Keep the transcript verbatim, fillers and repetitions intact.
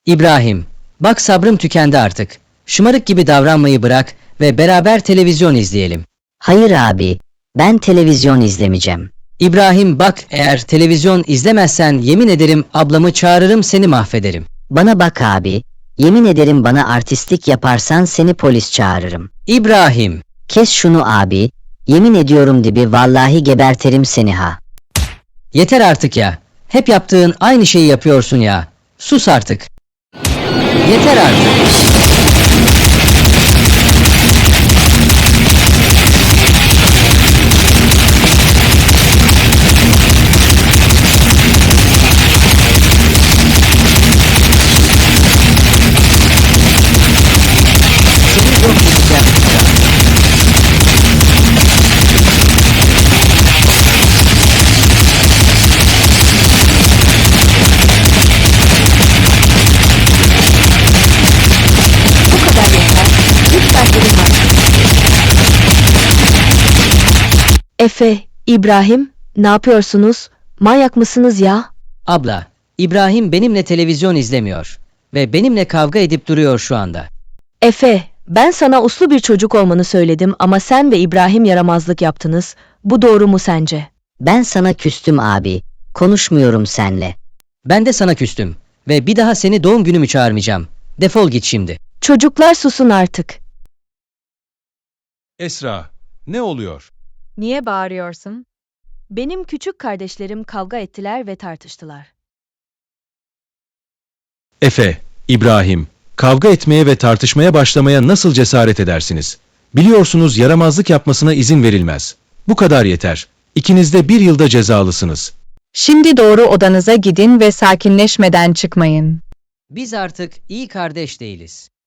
İbrahim, bak sabrım tükendi artık. Şımarık gibi davranmayı bırak ve beraber televizyon izleyelim. Hayır abi, ben televizyon izlemeyeceğim. İbrahim bak, eğer televizyon izlemezsen yemin ederim ablamı çağırırım, seni mahvederim. Bana bak abi, yemin ederim bana artistlik yaparsan seni polis çağırırım. İbrahim, Kes şunu abi, yemin ediyorum dibi vallahi geberterim seni ha. yeter artık ya. Hep yaptığın aynı şeyi yapıyorsun ya. Sus artık. Yeter artık. Seni yok edeceğim. Bu kadar yeter. Lütfen durun artık. Efe, İbrahim, ne yapıyorsunuz? Manyak mısınız ya? Abla, İbrahim benimle televizyon izlemiyor ve benimle kavga edip duruyor şu anda. Efe, ben sana uslu bir çocuk olmanı söyledim ama sen ve İbrahim yaramazlık yaptınız. Bu doğru mu sence? Ben sana küstüm abi, konuşmuyorum senle. Ben de sana küstüm ve bir daha seni doğum günümü çağırmayacağım. Defol git şimdi. Çocuklar susun artık. Esra, ne oluyor? Niye bağırıyorsun? Benim küçük kardeşlerim kavga ettiler ve tartıştılar. Efe, İbrahim, kavga etmeye ve tartışmaya başlamaya nasıl cesaret edersiniz? Biliyorsunuz yaramazlık yapmasına izin verilmez. Bu kadar yeter. İkiniz de bir yılda cezalısınız. Şimdi doğru odanıza gidin ve sakinleşmeden çıkmayın. Biz artık iyi kardeş değiliz.